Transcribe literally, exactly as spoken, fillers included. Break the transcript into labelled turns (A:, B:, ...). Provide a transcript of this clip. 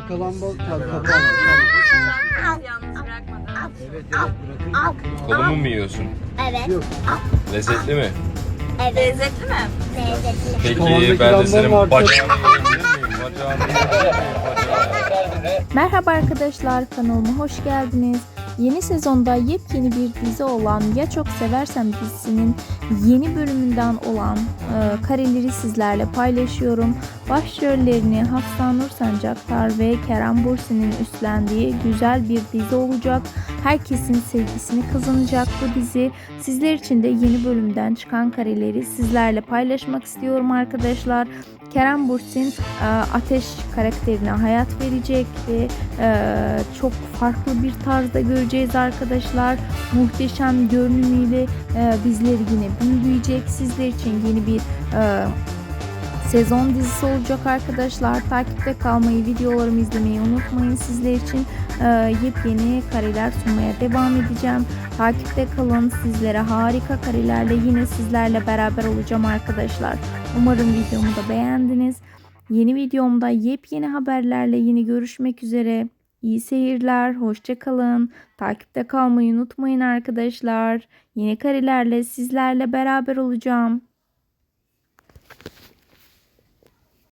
A: kalan bal kabuğu.
B: Yalnız bırakmadan.
A: Evet evet bırakın.
C: Kolumu mu yiyorsun?
D: Evet.
A: Yok.
C: Lezzetli mi?
D: Evet.
B: Lezzetli mi?
D: Lezzetli.
C: Peki
A: Kavanozdaki
C: ben de
A: lambanın
C: senin
A: varsa-
C: bacağını yiyebilir miyim? Bacağını yiyebilir miyim? Bacağını.
E: Merhaba arkadaşlar, kanalıma hoş geldiniz. Yeni sezonda yepyeni bir dizi olan Ya Çok Seversem dizisinin yeni bölümünden olan e, kareleri sizlerle paylaşıyorum. Başrollerini Hafsa Nur Sancaktar ve Kerem Bürsin'in üstlendiği güzel bir dizi olacak. Herkesin sevgisini kazanacak bu dizi. Sizler için de yeni bölümden çıkan kareleri sizlerle paylaşmak istiyorum arkadaşlar. Kerem Bürsin e, Ateş karakterine hayat verecek ve e, çok farklı bir tarzda göreceğiz arkadaşlar. Muhteşem görünümüyle e, bizleri yine büyüleyecek. Sizler için yeni bir e, sezon dizisi olacak arkadaşlar. Takipte kalmayı, videolarımı izlemeyi unutmayın. Sizler için e, yepyeni kareler sunmaya devam edeceğim. Takipte kalın. Sizlere harika karelerle yine sizlerle beraber olacağım arkadaşlar. Umarım videomu da beğendiniz. Yeni videomda yepyeni haberlerle yine görüşmek üzere. İyi seyirler, hoşça kalın. Takipte kalmayı unutmayın arkadaşlar. Yeni karelerle sizlerle beraber olacağım.